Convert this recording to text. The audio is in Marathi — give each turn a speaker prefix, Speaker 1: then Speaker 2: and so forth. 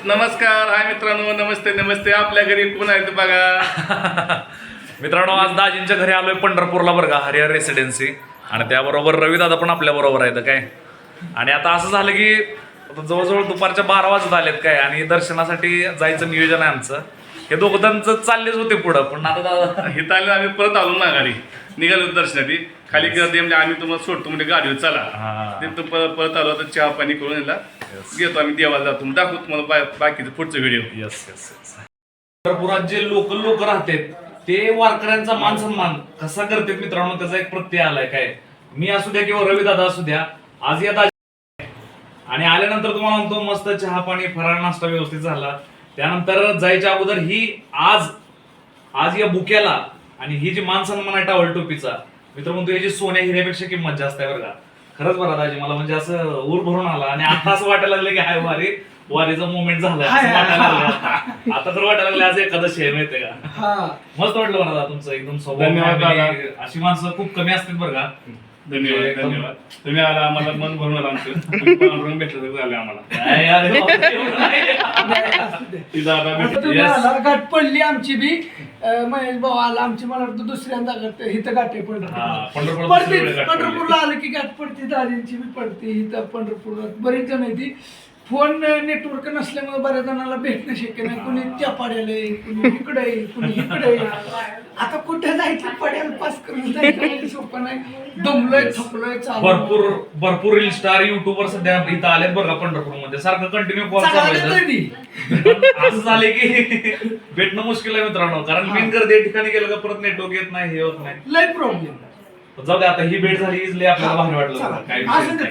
Speaker 1: नमस्कार, हाय मित्रांनो, नमस्ते नमस्ते. आपल्या घरी कोण आहे ते बघा.
Speaker 2: मित्रांनो, आज दाजींच्या घरी आलोय पंढरपूरला बरं का, हरिहर रेसिडेन्सी. आणि त्याबरोबर रविदादा पण आपल्या बरोबर आहेत काय. आणि आता असं झालं की जवळजवळ दुपारच्या 12 वाजत आलेत काय, आणि दर्शनासाठी जायचं नियोजन आहे आमचं. हे दोघं त्यांचं चाललेच होते पुढं, पण आता दादा
Speaker 1: इथं आले आम्ही परत आलो ना, गाडी निघालो दर्शनासाठी. खाली गर्दी म्हणजे आम्ही तुम्हाला सोडतो म्हणजे गाडीवर चला. तिथं परत आलो तर चहा पाणी करून याला घेतो आम्ही, देवाला जातो. दाखवतो तुम्हाला बाकीचं पुढचं व्हिडिओ.
Speaker 2: Yes yes yes. पंढरपुरात जे लोकल लोक राहतात ते वारकऱ्यांचा मान सन्मान कसा करतात मित्रांनो, त्याचा एक प्रत्यय आलाय काय. मी असू द्या किंवा रविदादा असू द्या, आज या दाजी आणि आल्यानंतर तुम्हाला म्हणतो मस्त चहा पाणी फराळ नाश्ता व्यवस्थित झाला. त्यानंतर जायच्या अगोदर ही आज या बुक्याला आणि ही जी मान सन्मान आहे टावल टोपीचा, मित्र म्हणतो याची सोन्या हिऱ्यापेक्षा किंमत जास्त आहे बरं का. खरंच बरं दाजी, मला म्हणजे असं ऊर भरून आला आणि आता असं वाटायला लागलं की हाय वारीचा मोमेंट झालाय असं वाटायला लागलं. आता तर वाटायला लागलं आज एखादं शेर माहितीये का. मस्त वाटलं मला तुमचं एकदम
Speaker 1: धन्यवाद दादा.
Speaker 2: स्वभाव. अशी माणसं खूप कमी असतात बरं का.
Speaker 1: धन्यवाद धन्यवाद. तुम्ही आला, आम्हाला मन भरून आला आमचं. रंग भेटलं तर झालं आम्हाला.
Speaker 2: काय यार, एवढं नाही.
Speaker 1: ती दादा भेटली.
Speaker 3: तुम्हाला गाठ पडली आमची बी. महेश भाऊ आला आमची, मला वाटतं दुसऱ्यांदा गाठ इथं गाठ आहे
Speaker 2: हा, पंढरपूरला
Speaker 3: पडते.
Speaker 2: दुसरीकडे गाठ
Speaker 3: पंढरपूरला आलं की गाठ पडते, दादींची बी पडते इथं पंढरपूरात. बरीच जण आहे ती. फोन नेटवर्क नसल्यामुळे बऱ्याच जणांना भेटणं शक्य नाही. कुणी त्या पाड्याला आहे, कुणी इकडे आहे, कुणी इकडे आहे. आता कुठे जायचं, पड्याला पास करून जायचं सोपं नाही. दमलोय, थकलोय,
Speaker 2: भरपूर रील स्टार युट्यूबर सध्या इथं आलेत बरं का पंढरपूरमध्ये. सारखं कंटिन्यू कॉल असं झाले की भेटणं मुश्किल आहे मित्रांनो, कारण मेन गर्दी या ठिकाणी गेलं का परत नेटवर्क येत नाही, हे होत नाही.
Speaker 3: लय प्रॉब्लेम.
Speaker 2: जाऊ दे, आता ही भेट झाली इजली आपल्याला भारी वाटलं. काय विषय नाही.